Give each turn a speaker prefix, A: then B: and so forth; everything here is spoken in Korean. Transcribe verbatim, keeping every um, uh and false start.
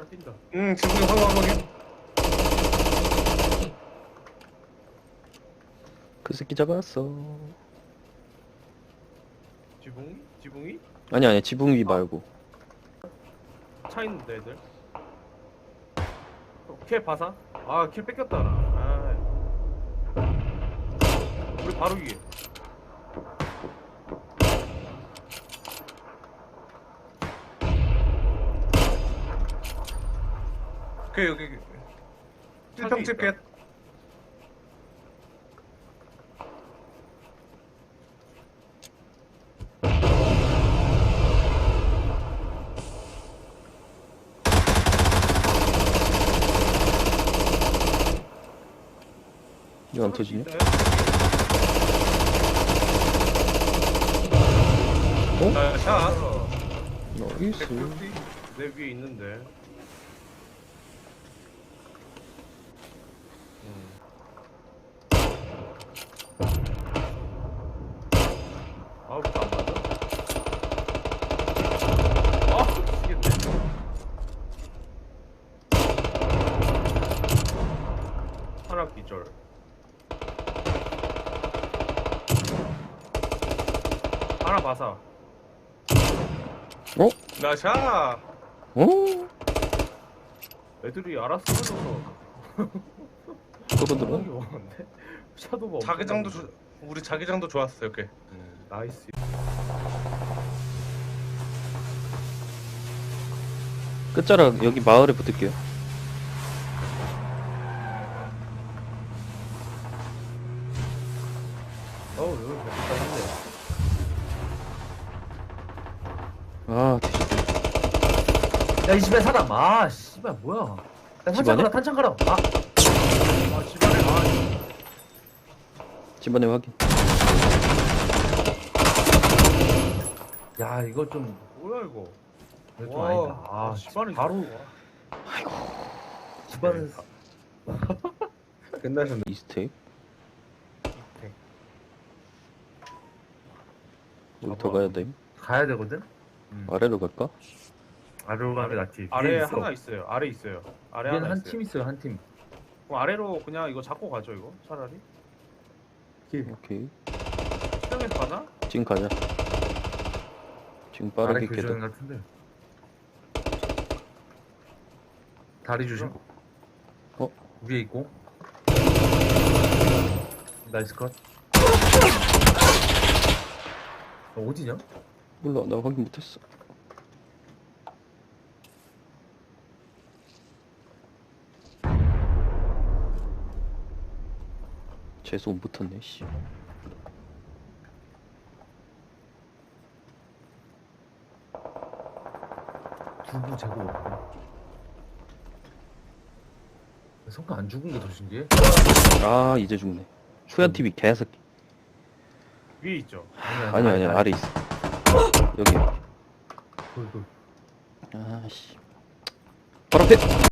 A: 하나 뛴다.
B: 응, 지붕에 황황하게.
C: 그 새끼 잡았어.
A: 지붕이? 지붕이?
C: 아니 아니 지붕 위 말고.
A: 차 있는데 애들. 어, 킬 봐사? 아, 킬 뺏겼다 나. 아. 우리 바로 위에.
B: 그 여기 칠평 티켓.
C: 이거 안 터지냐?
B: 어? 자, 자.
C: 나이스.
A: 내 위에 있는데. 음. 아우, 안 맞아? 아, 미치겠네. 하나 기절. 하나 봐사.
C: 어?
B: 나샤.
C: 어?
A: 애들이 알아서 해줘서
C: 저거 들어?
A: 생각이 많은데? 샤도가
B: 자기장도
A: 엄청
B: 조, 우리 자기장도 좋았어 이렇게.
A: 음, 나이스.
C: 끝자락 여기 마을에 붙을게요.
A: 어우, 여기 멋있다
C: 아 뒤졌다.
D: 야, 이 집에 사람. 아, 씨발, 뭐야. 야, 탄창
C: 집안에?
D: 가라, 탄창 가라. 아,
A: 한데. 아, 집안에 아,
C: 집안에 확인.
D: 야, 이거 좀,
A: 뭐야 이거?
D: 이거 좀
A: 와,
D: 아니다. 아,
A: 아, 집안에
D: 바로, 집안은,
B: 끝나셨네.
C: 이스테이크?
A: 밑에.
C: 여기 더 가야 돼.
D: 가야 되거든?
C: 아래로 갈까?
D: 아래로 가는 게 낫지.
A: 아래
D: 위에 있어.
A: 하나 있어요. 아래 있어요. 아래
D: 위에는
A: 하나
D: 한
A: 있어요.
D: 팀 있어요, 한 팀.
A: 그럼 아래로 그냥 이거 잡고 가죠 이거 차라리.
C: 오케이.
A: 수정해서 가나?
C: 지금 가자. 지금
D: 아래
C: 빠르게
D: 교전
C: 깨다.
D: 같은데. 다리 조심.
C: 어?
D: 위에 있고. 나이스 컷. 어, 어디냐?
C: 몰라 나 확인 못했어. 재수 못 붙었네 씨.
D: 두부 재고 없고. 성가 안 죽은 게 더 신기해?
C: 아 이제 죽네. 후야 티비 개새끼.
A: 위에 있죠.
C: 아니 아니 아래 있어. 여기.
D: 돌, 돌.
C: 아씨. 바로 앞에.